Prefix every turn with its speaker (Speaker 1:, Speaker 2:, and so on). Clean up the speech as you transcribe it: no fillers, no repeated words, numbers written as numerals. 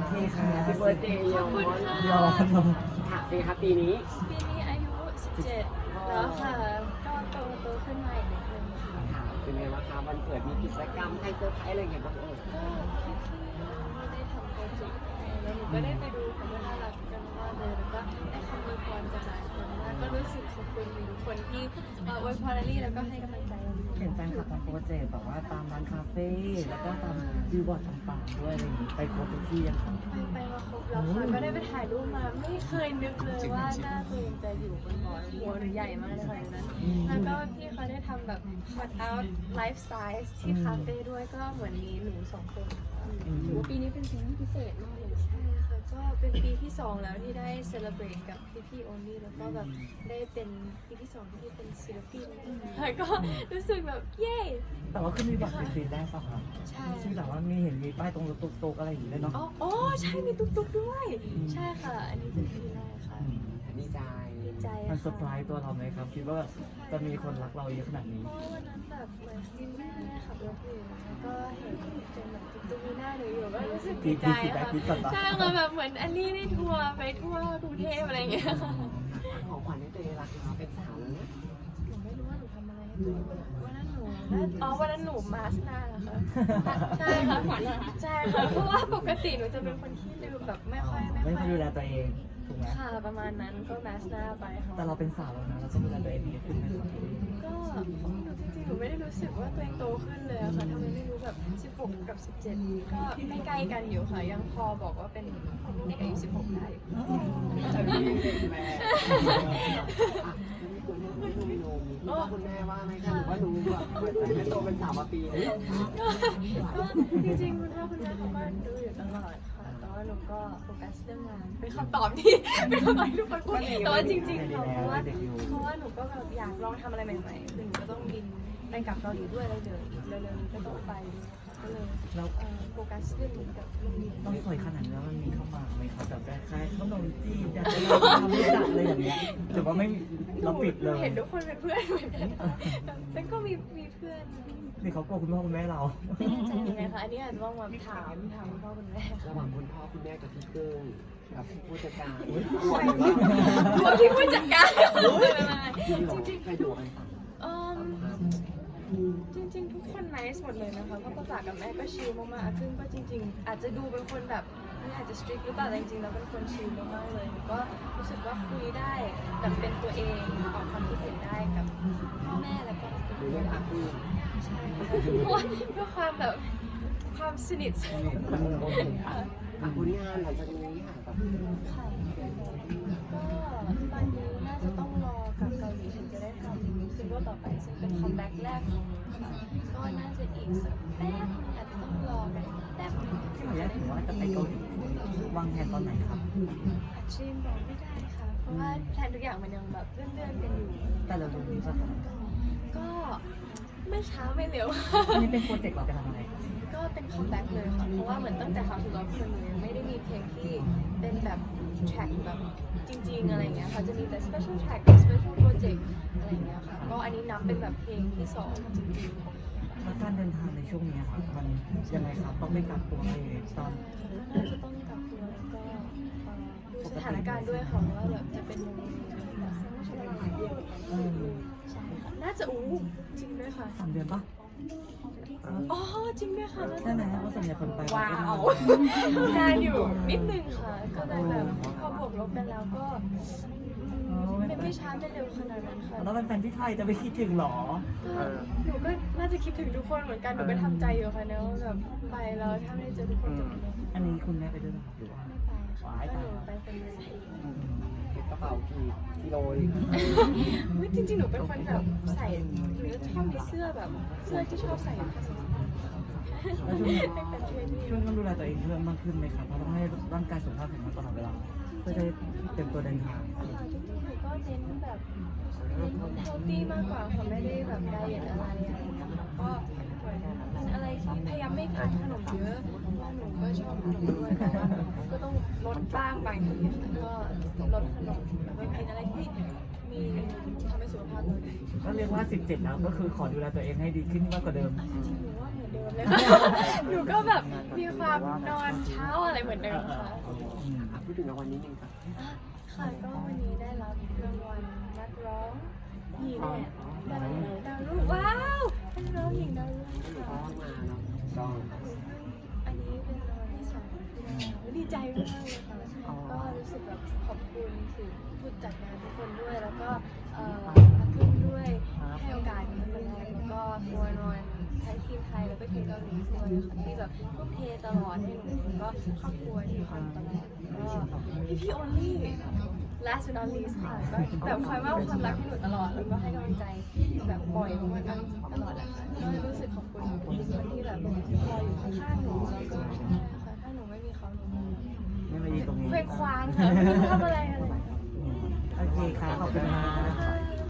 Speaker 1: เคค่ะ
Speaker 2: พี่เบิร์ดเดย์
Speaker 3: ขอบคุณค่ะ
Speaker 1: ยอม
Speaker 2: ค่ะปีครับปีนี้
Speaker 3: ปีนี้อายุ 17 แล้วค่ะ ก็โตขึ้นมาอีกนิดนึงค่ะ
Speaker 2: ค่ะเป็นไงบ้างคะวันเกิดมีกิจกรรมให้เซอร์ไพรส์อะไรอย่างเงี้ยบ้างเอ่ย
Speaker 3: ก็พี่ๆได้ทำโปรเจกต์ให้แล้วหนูก็ได้ไปดูเขาก็น่ารักกันมากเลยแล้วก็ได้คำอวยพรจากหลายคนมากก็รู้สึกขอบคุณทุกคนที่อวยพรลี่แล้วก็ให้กำลังใจเรา
Speaker 1: เห็นแฟนคลับทำโปรเจกต์แบบว่าตามร้านคาเฟ่แล้วก็ตามบิลบอร์ดต่างๆด้วยอะไรอย่างนี้ไปครบทุกที่ยังคะ
Speaker 3: ไปมาครบแล้วค่ะก็ได้ไปถ่ายรูปมาไม่เคยนึกเลยว่าหน้าตัวเองจะอยู่บนบอร์ดหัวหรือใหญ่มากเลยค่ะนั้นแล้วก็พี่เขาได้ทำแบบ cut out life size ที่คาเฟ่ด้วยก็เหมือนมีหนูสองคนค่ะถือว่าปีนี้เป็นปีที่พิเศษมากเลยใช่ค่ะก็เป็นปีที่2แล้วที่ได้ celebrate กับพี่ๆ only แล้วก็แบบได้เป็นปีที่2ที่เป็นศิลปินแล้วก็รู้สึกแบบเย้
Speaker 1: แต่ว่าขึ้นบิลบอร์ดเป็นปีแรกป่ะคะ
Speaker 3: ใช่
Speaker 1: ที่แบบว่ามีเห็นมีป้ายตรงรถตุ๊กๆอะไรอย่างนี้เลยเนาะ
Speaker 3: อ๋อใช่มีตุ๊กๆด้วยใช่ค่ะอันนี้เป็นปีแรกค่ะ
Speaker 2: ดีใจ
Speaker 3: ดีใจ
Speaker 1: มัน
Speaker 3: ค่ะ
Speaker 1: เซอร์ไพรส์ตัวเราไหมครับคิดว่าจะมีคนรักเราเยอะขนาดนี้
Speaker 3: เพราะวันนั้นแบบเหมือนที่แม่ขับรถอยู่แล้วก็เห็นเป็นแบบตุ๊กๆมีหน้าหนูอยู่ก็รู้สึกดีใจค่ะใช่ค่ะแบบเหมือนอันนี้ได้ทัวร์ไปทั่วกรุงเทพอะไรอย่างเงี้ยค่ะ
Speaker 2: ของขวัญให้ตัวเองรักนะคะเป็นสาวแล้วนะ
Speaker 3: หนูไม่รู้ว่าหนูทำอะไรให้ตัวเองวันนั้นหนูวันนั้นหนูมาสหน้าค่ะใช่ค่ะขวัญใช่ค่ะเพราะว่าปกติหนูจะเป็นคนที่ลืมแบบไม่ค่อย
Speaker 1: ไม่ค่อยดูแลตัวเองถูกไหม
Speaker 3: ค่ะประมาณนั้นก็มาสหน้าไปค่ะ
Speaker 1: แต่เราเป็นสาวแล้วนะเราต้องดูแลตัวเองดีขึ้นไหมครับ
Speaker 3: ก็หนูจริงๆ หนูไม่ได้รู้สึกว่าตัวเองโตขึ้นเลยอะค่ะทำไมไม่รู้แบบ 16 กับ 17 ก็ไม่ใกล้กันอยู่ค่ะ ยังพอบอกว่าเป็นเด็กอายุ 16 ได้อยู่
Speaker 2: จะมีแม่คุณแม่คุณแม่ว่าไหมคะหรือว่าหนูแบบเปิดใจให้โตเป็นสาวมาปีนี้
Speaker 3: ก็จริงๆ คุณพ่อคุณแม่เขาก็ดูอยู่ตลอดค่ะ แต่ว่าหนูก็โฟกัสเรื่องงานเป็นคำตอบที่เป็นคำตอบที่ทุกคนพูดแต่ว่าจริงๆค่ะเพราะว่าหนูก็แบบอยากลองทำอะไรใหม่ๆคือหนูก็ต้องบินไปกลับเกาหลีด้วยแล้วเดี๋ยวเร็วๆนี้ก็ต้องไปก็เลย
Speaker 1: แล้ว
Speaker 3: โฟกัสเรื่องนี้กับเรื่องนี้
Speaker 1: ต้องสวยขนาดนี้แล้วมันมีเข้ามาไหมครับแบบคล้ายๆขนมจีนอยากจะลองทำรู้จักอะไรอย่างเงี้ยหรือว่าไม่เราปิดเลย
Speaker 3: เห็นทุกคนเป็นเพื่อนเหมือนกันแต่ก็มีเพื่อน
Speaker 1: นี่เขากลัวคุณพ่อคุณแม่เรา
Speaker 3: ไม่แน่ใจยังไงคะอันนี้อาจจะต้องมาถามคุณพ่อคุณแม่
Speaker 2: ระหว่างคุณพ่อคุณแม่กับพี่เกิ้งกับผู้จัดการ
Speaker 3: กลัวที่ผู้จัดการ
Speaker 2: จริงๆใครดูกันสัก
Speaker 3: จริงๆทุกคนไนส์หมดเลยนะคะเพราะป้าป๋ากับแม่ก็ชิลมากๆอาครึ่งก็จริงๆ อาจจะดูเป็นคนแบบนี่อาจจะสตริกหรือเปล่าแต่จริงๆแล้วเป็นคนชิลมากๆเลยก็รู้สึกว่าคุยได้แบบเป็นตัวเองออกความคิดเห็นได้กับพ่อแม่แล้วก็
Speaker 2: หรือเรื่องอาคู
Speaker 3: ใช่ค่ะเพราะว่าเพื่อความแบบความสนิทสนม
Speaker 2: ผลงานหลังจากนี้ค่ะแบบ
Speaker 3: ค่ะก็ตอนนี้น่าจะต้องรอกลับเกาหลีถึงจะได้ทำซิงเกิลต่อไปซึ่งเป็นคัมแบ็กแรกของหนูค่ะก็น่าจะอีกสักแป๊บนึงอาจจะต้องรอกันแป๊บนึง
Speaker 1: ที่หมายถึงว่าจะไปเกาหลีวางแผนตอนไหนครับ
Speaker 3: อาชีพบอกไม่ได้ค่ะ เพราะว่าแพลนทุกอย่างมันยังแบบเลื่อนๆกันอยู่
Speaker 1: แต่เราดูสถานการณ์
Speaker 3: ก็ไม่ช้าไม่เร็ว
Speaker 1: อันนี้เป็นโปรเจกต์เราไปทำอะไร
Speaker 3: ก็เป็นคัมแบ็กเลยค่ะ เพราะว่าเหมือนตั้งแต่ How to Love คนเลยไม่ได้มีเพลงที่เป็นแบบแทร็กแบบจริงๆอะไรเงี้ยค่ะจะมีแต่ special track กับ special project อะไรเงี้ยค่ะ ก็อันนี้นับเป็นแบบเพลงที่2จริงๆ
Speaker 1: แล้วการเดินทางในช่วงนี้ครับมันยังไงครับต้องไปกักตัวอะไรอยู่ในตอน
Speaker 3: น่าจะต้องกักตัวแล้วก็ดูสถานการณ์ด้วยค่ะว่าแบบจะเป็นยังไงแบบใช้เวลาหลายเดือนใช่ค่ะน่าจะจริงด้วยค่ะ
Speaker 1: 3 เดือนปะ
Speaker 3: อ๋อจริงด้วยค่ะ
Speaker 1: ใช่ไหมเพราะส่วนใหญ่คนไป
Speaker 3: ว้าวนานอยู่นิดนึงค่ะ ก็เลยแบบพอบวกลบกันแล้วก็ไม่ช้าไม่เร็วขนาดนั้นค่ะ
Speaker 1: แล้วเป็นแฟนที่ไทยจะไปคิดถึงหรอ
Speaker 3: หนูก็น่าจะคิดถึงทุกคนเหมือนกันหนูก็ทำใจอยู่ค่ะเนอะแบบไปแล้วถ้าไม่ได้เจอทุกคนจะเป็นยังไง
Speaker 1: อันนี้คุณแม่ไปด้วยนะครับหรือว่า
Speaker 3: ไม่ไปค่ะก็หนูไปคนเดียว
Speaker 2: เก็บกระเป๋ากี่กิโลดี
Speaker 3: จริงๆ หนูเป็นคนแบบใส่หรือชอบมีเสื้อแบบเสื้อที่ชอบใส่ค่ะ
Speaker 1: แล้วช่วงนี้
Speaker 3: เป็นเทรนนิ่ง
Speaker 1: ช่วงต้องดูแลตัวเองเพิ่มมากขึ้นไหมครับเพราะต้องให้ร่างกายสุขภาพแข็งแรงตลอดเวลาเพื่อจะได้เตรียมตัวเดินทาง
Speaker 3: จริงๆ หนูก็เน้นแบบเฮลตี้มากกว่าค่ะไม่ได้แบบไดเอทอะไรอย่างเงี้ยค่ะก็เหมือนเป็นอะไรที่พยายามไม่ทานขนมเยอะเพราะว่าหนูก็ชอบขนมด้วยแต่ว่าก็ต้องลดบ้างบางทีค่ะก็ลดขนมแล้วก็กินอะไรที่มีทำให้สุขภาพเราดี
Speaker 1: ก็เรียกว่า 17 แล้วก็คือขอดูแลตัวเองให้ดีขึ้นมากกว่าเดิม
Speaker 3: จริงๆหนูว่าเหมือนเดิมมเลย หนูก็แบบมีความนอนเช้าอะไรเหมือนเดิมค่ะ
Speaker 2: พูดถึงรางวัลนิดนึงค่ะ
Speaker 3: ค่ะก็วันนี้ได้รับรางวัลนักร้องหญิงดาวรุ่งว้าวนักร้องหญิงดาวรุ่ง
Speaker 2: หนูก็
Speaker 3: ค่ะ
Speaker 2: มาเนาะก็
Speaker 3: อันนี้เป็นรางวัลที่ 2ที่ได้ดีใจมากเลยค่ะก็รู้สึกแบบขอบคุณถึงผู้จัดงานทุกคนด้วยแล้วก็มาขึ้นด้วยให้โอกาสนี้มาแล้วก็โฟนอนทั้งทีมไทยแล้วก็ทีมเกาหลีด้วยค่ะที่แบบทุ่มเทตลอดให้หนูแล้วก็ครอบครัวที่ทำตลอดก็พี่โอลี่ last but not least ค่ะก็แบบคอยมอบความรักให้หนูตลอดแล้วก็ให้กำลังใจแบบบ่อยมากๆตลอดแหละค่ะก็รู้สึกขอบคุณทุกคนที่แบบคอยอยู่ข้างๆหนูแล้วก็ถ้าหนูไม่มีเขาหนู
Speaker 1: ไม่มายืนตรงนี้
Speaker 3: เคว้งคว้างค่ะไม่รู้ทำอะไร
Speaker 1: โอเคค่ะขอบคุณค่ะ
Speaker 3: ค่ะ